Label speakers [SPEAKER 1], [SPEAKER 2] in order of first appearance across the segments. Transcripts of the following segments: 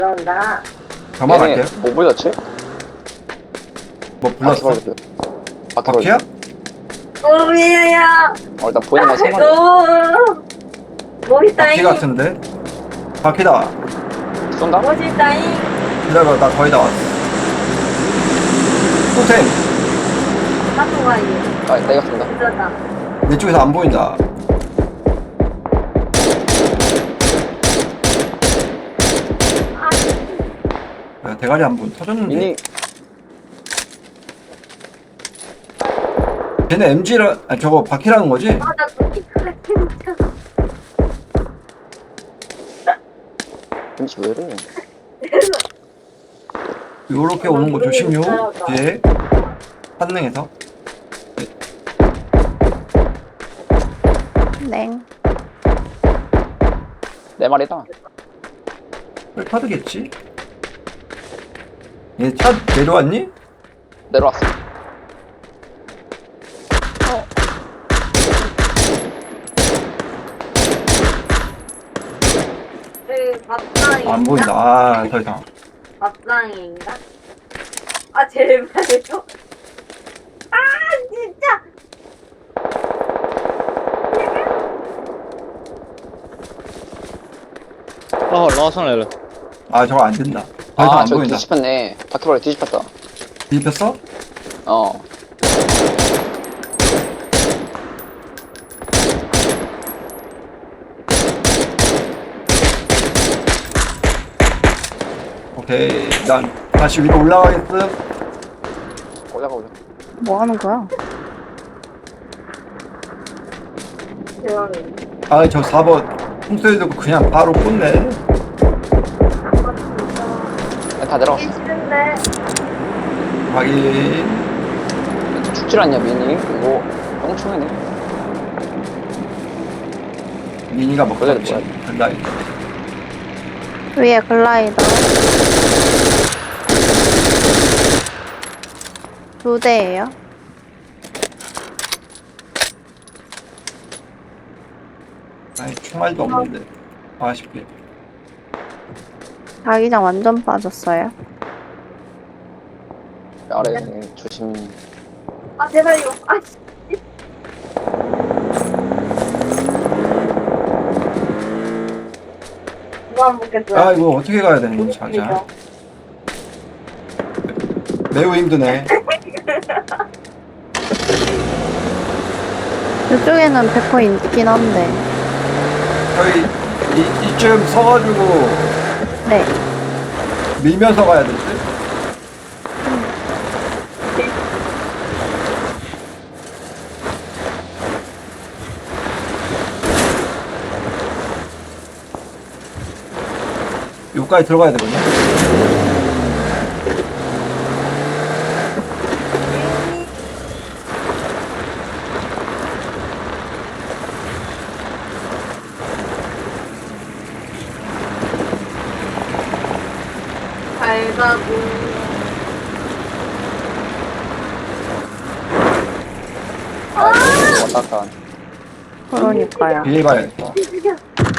[SPEAKER 1] 그런다.
[SPEAKER 2] 저만 갈게요.
[SPEAKER 3] 뭐 불렀지?
[SPEAKER 2] 뭐 불렀어? 바퀴야?
[SPEAKER 1] 오미야.
[SPEAKER 3] 일단 보이는 건 3마리.
[SPEAKER 1] 멋있다잉.
[SPEAKER 2] 바퀴 같은데? 바퀴다.
[SPEAKER 3] 쏜다?
[SPEAKER 1] 멋있다잉.
[SPEAKER 2] 기다려, 나 거의 다 왔어. 토템!
[SPEAKER 1] 맞는 거 아니에요?
[SPEAKER 3] 내가 쏜다.
[SPEAKER 1] 그러다.
[SPEAKER 2] 내 쪽에서 안 보인다. 야, 대가리 한 번 터졌는데?
[SPEAKER 3] 미니,
[SPEAKER 2] 걔네 MG라, 아니 저거 바퀴라는 거지?
[SPEAKER 1] 나 눈이 크게 진짜.
[SPEAKER 3] 왠지 왜 이래?
[SPEAKER 2] 요렇게 오는 거 조심요. 뒤에. 한능에서.
[SPEAKER 4] 냉.
[SPEAKER 3] 4마리다.
[SPEAKER 2] 카드겠지? 얘 차 내려왔니?
[SPEAKER 3] 내려왔어.
[SPEAKER 1] 밥상인가?
[SPEAKER 2] 안 보인다. 아, 더 이상.
[SPEAKER 1] 밥상인가? 아, 제발요. 아, 진짜.
[SPEAKER 5] 라선
[SPEAKER 2] 아, 저거 안 된다. 더 이상 안
[SPEAKER 3] 저
[SPEAKER 2] 보인다.
[SPEAKER 3] 뒤집혔네. 바퀴벌레 뒤집혔다.
[SPEAKER 2] 뒤집혔어?
[SPEAKER 3] 어.
[SPEAKER 2] 오케이. 난 다시 위로 올라가겠음.
[SPEAKER 3] 올라가.
[SPEAKER 4] 뭐 하는 거야?
[SPEAKER 1] 대박이네.
[SPEAKER 2] 아, 저 4번 풍소리 듣고 그냥 바로 꽂네.
[SPEAKER 3] 다 내려갔어.
[SPEAKER 1] 이게 싫은데.
[SPEAKER 2] 확인.
[SPEAKER 3] 죽질 않냐, 미니? 이거 똥충이네.
[SPEAKER 2] 미니가 먹었지
[SPEAKER 3] 뭐야?
[SPEAKER 2] 간다.
[SPEAKER 4] 위에 글라이더. 2대예요.
[SPEAKER 2] 아니, 총알도 없는데. 아쉽게.
[SPEAKER 4] 자기장 완전 빠졌어요.
[SPEAKER 3] 아래 조심.
[SPEAKER 1] 아, 제발요. 아, 씨. 이거 안 먹겠어요.
[SPEAKER 2] 아, 이거 어떻게 가야 되는 거지, 자기야? 매우 힘드네.
[SPEAKER 4] 이쪽에는 100% 있긴 한데.
[SPEAKER 2] 저희 이쯤 서가지고
[SPEAKER 4] 네.
[SPEAKER 2] 밀면서 가야 될 듯? 여기까지 들어가야 되거든요.
[SPEAKER 1] 잘 가고.
[SPEAKER 3] 왔다 갔다.
[SPEAKER 4] 그러니까요.
[SPEAKER 2] 뒤에 봐야겠다.
[SPEAKER 1] 죽여.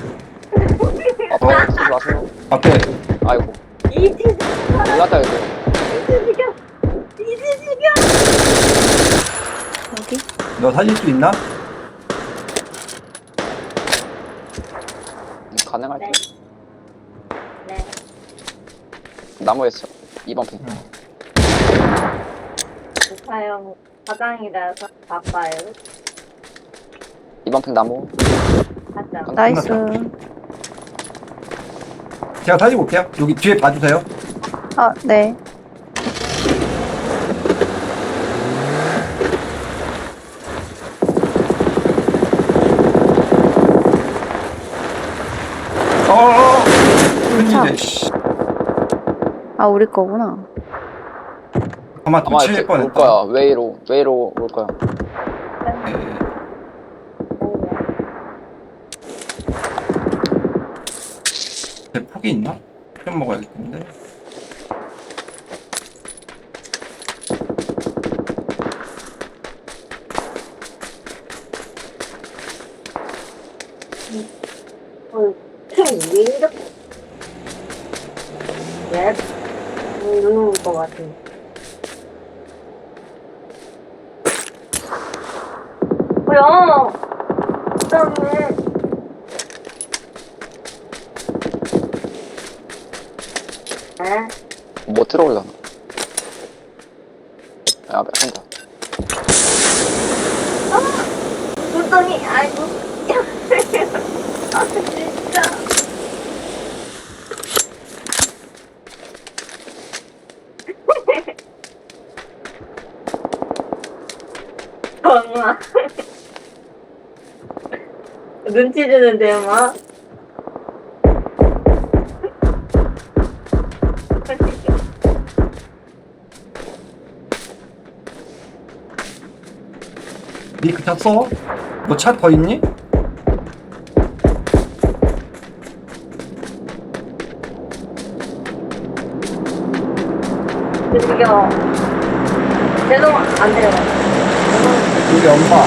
[SPEAKER 3] 쓰지 마세요.
[SPEAKER 2] 앞에
[SPEAKER 3] 아이고.
[SPEAKER 1] 이지
[SPEAKER 3] 올랐다, 여기.
[SPEAKER 1] 죽여. 이지 죽여.
[SPEAKER 4] 여기?
[SPEAKER 2] 너 살릴 수 있나?
[SPEAKER 3] 가능할게.
[SPEAKER 1] 네.
[SPEAKER 3] 나무였어. 2번 핑.
[SPEAKER 1] 사용 화장이라서 바빠요.
[SPEAKER 3] 2번 핑 나무.
[SPEAKER 1] 가자.
[SPEAKER 4] 나이스.
[SPEAKER 2] 제가 살리고 올게요. 여기 뒤에 봐주세요.
[SPEAKER 4] 아, 네.
[SPEAKER 2] 어어어! 웬일이야, 씨.
[SPEAKER 4] 아, 우리 거구나.
[SPEAKER 2] 아마
[SPEAKER 3] 아마
[SPEAKER 2] 도칠
[SPEAKER 3] 올
[SPEAKER 2] 뻔했다.
[SPEAKER 3] 거야. 웨이로 올 거야.
[SPEAKER 2] 예. 제 폭이 있나? 좀 먹어야겠는데.
[SPEAKER 1] 왜 이렇게 예? 눈 올 것 같아. 뭐야? 그다음에 에?
[SPEAKER 3] 뭐 들어올라나? 야, 한다.
[SPEAKER 1] 눈덩이 아이고. 아 진짜. 정말. 눈치 주는데요, 막.
[SPEAKER 2] 니그 탔어? 너 차 더 있니?
[SPEAKER 1] 저기요. 제동 안 돼요.
[SPEAKER 2] 우리 엄마.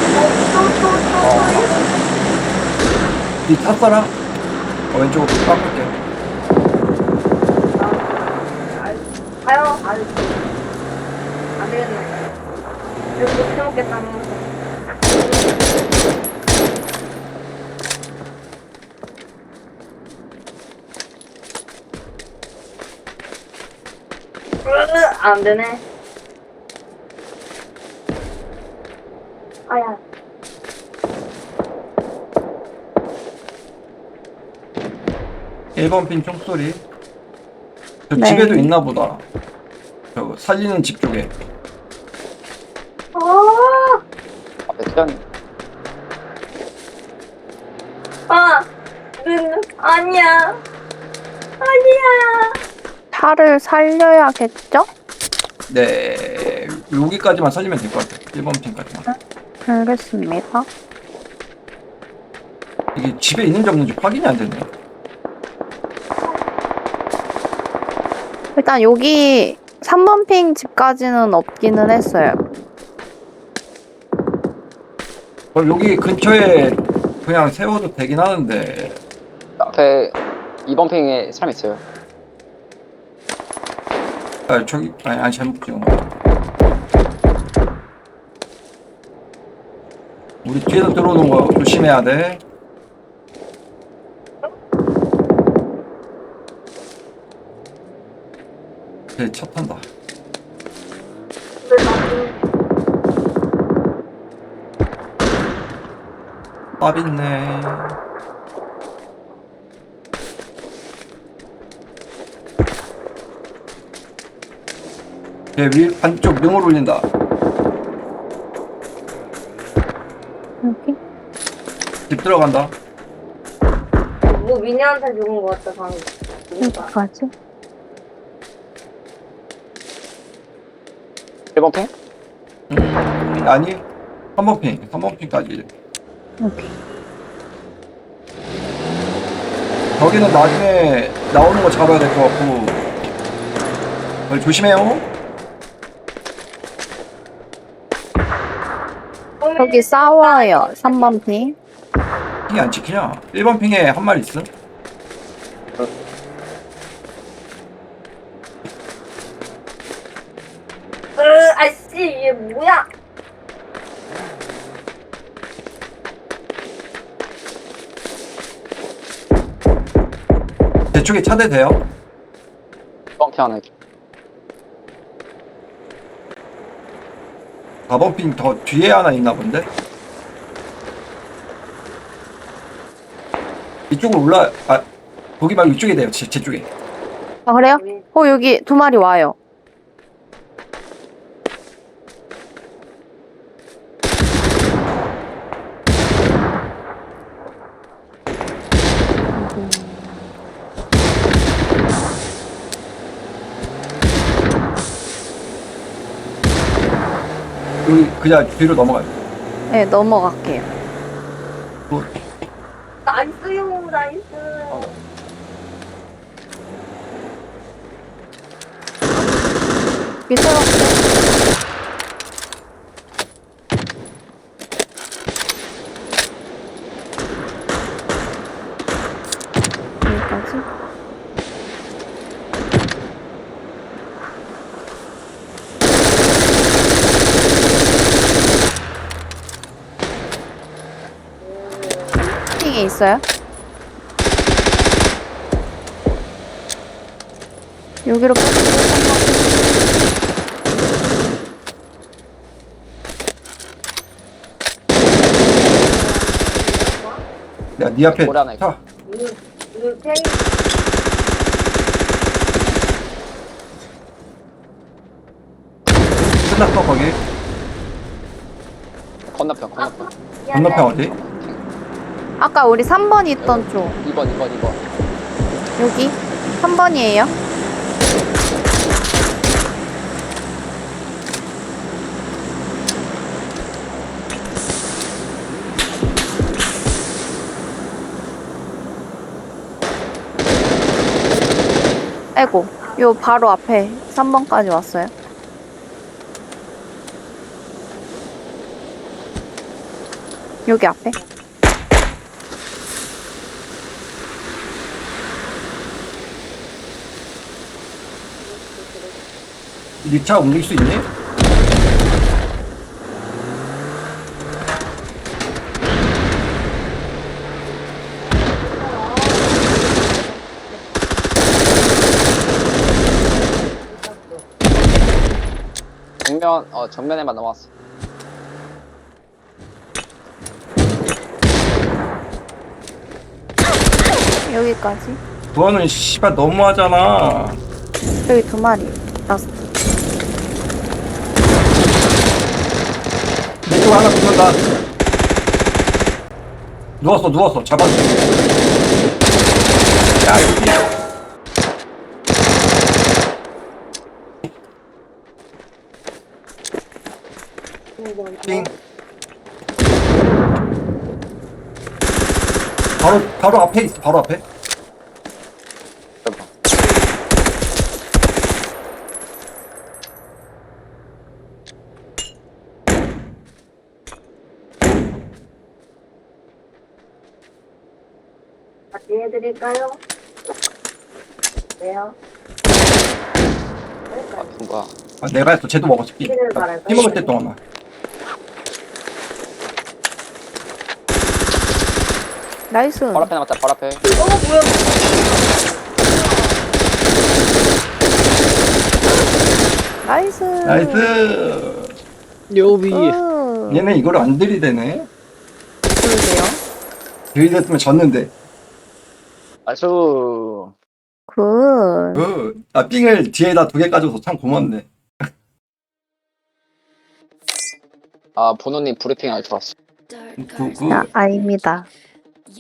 [SPEAKER 2] 니 탔어라? 왼쪽으로 깎을게.
[SPEAKER 1] 가요. 아유. 안 되겠네. 이거 못 해먹겠다. 안 되네. 아야.
[SPEAKER 2] 1번 핀 총소리. 저
[SPEAKER 4] 네.
[SPEAKER 2] 집에도 있나 보다. 저 살리는 집 쪽에.
[SPEAKER 3] 앞에 태연이.
[SPEAKER 1] 아니야. 아니야.
[SPEAKER 4] 차를 살려야겠죠?
[SPEAKER 2] 네. 여기까지만 살리면 될 것 같아. 1번 핀까지만.
[SPEAKER 4] 알겠습니다.
[SPEAKER 2] 이게 집에 있는지 없는지 확인이 안 되네.
[SPEAKER 4] 일단 여기 3번 핑 집까지는 없기는 했어요.
[SPEAKER 2] 그럼 여기 근처에 그냥 세워도 되긴 하는데.
[SPEAKER 3] 앞에 2번 핑에 사람 있어요.
[SPEAKER 2] 아, 저기, 아니, 잘못 찍은 거. 우리 뒤에서 들어오는 거 조심해야 돼. 차 탄다. 밥 있네. 위 반쪽 능을 올린다.
[SPEAKER 4] 여기?
[SPEAKER 2] 집 들어간다.
[SPEAKER 1] 뭐 미니한테 죽은 것 같다 방금.
[SPEAKER 4] 여기까지?
[SPEAKER 3] 1번 핑?
[SPEAKER 2] 아니, 3번 핑. 3번 핑까지.
[SPEAKER 4] 여기.
[SPEAKER 2] 저기는 나중에 나오는 거 잡아야 될 것 같고. 조심해요.
[SPEAKER 4] 여기 싸워요. 3번 핑.
[SPEAKER 2] 핑이 안 찍히냐? 1번 핑에 한 마리 있음?
[SPEAKER 1] 아씨 이게 뭐야?
[SPEAKER 2] 제 쪽에 차대 돼요?
[SPEAKER 3] 1번 핑 하나.
[SPEAKER 2] 4번 핑 더 뒤에 하나 있나 본데? 이쪽으로 거기 말고 이쪽에 돼요. 제 쪽에.
[SPEAKER 4] 아, 그래요? 여기 2마리 와요.
[SPEAKER 2] 여기 그냥 뒤로 넘어가요.
[SPEAKER 4] 네, 넘어갈게요.
[SPEAKER 1] 나이스요 나이스.
[SPEAKER 4] 미끄럽게. 여기까지. 3번핑에 있어요? 여기로
[SPEAKER 2] 내가 네 앞에
[SPEAKER 3] 머리 하나 있고.
[SPEAKER 2] 차.
[SPEAKER 1] 이 팽이
[SPEAKER 2] 끝났어 거기.
[SPEAKER 3] 건너편 건너편.
[SPEAKER 2] 건너편 어디?
[SPEAKER 4] 아까 우리 3번 있던 쪽
[SPEAKER 3] 2번.
[SPEAKER 4] 여기 3번이에요. 아이고 요 바로 앞에 3번까지 왔어요. 여기 앞에
[SPEAKER 2] 네 차 움직일 수 있니?
[SPEAKER 3] 정면에만 넘어왔어.
[SPEAKER 4] 여기까지.
[SPEAKER 2] 그거는 씨발 너무하잖아.
[SPEAKER 4] 여기 2마리. 라스트.
[SPEAKER 2] 내 쪽 하나 붙는다. 누웠어. 잡았어. 야, 여기. 띵. 바로 앞에 있어, 바로 앞에.
[SPEAKER 3] 대박.
[SPEAKER 1] 같이 해드릴까요? 왜요?
[SPEAKER 3] 아, 뭔가.
[SPEAKER 2] 아, 내가 했어. 쟤도 먹었어. 피 먹을 때 동안만.
[SPEAKER 4] 나이스.
[SPEAKER 3] 바로 앞에 남았다. 바로 앞에.
[SPEAKER 1] 뭐야?
[SPEAKER 4] 나이스.
[SPEAKER 2] 나이스.
[SPEAKER 5] 요비.
[SPEAKER 2] 얘네 이걸 안 들이대네.
[SPEAKER 4] 그러게요.
[SPEAKER 2] 들이댔으면 졌는데.
[SPEAKER 3] 나이스.
[SPEAKER 4] 굿.
[SPEAKER 2] 삥을 뒤에다 2개 가져서 참 고맙네.
[SPEAKER 3] 아, 보노님 브리핑 아주 좋았어.
[SPEAKER 2] 그,
[SPEAKER 4] 아, 아닙니다.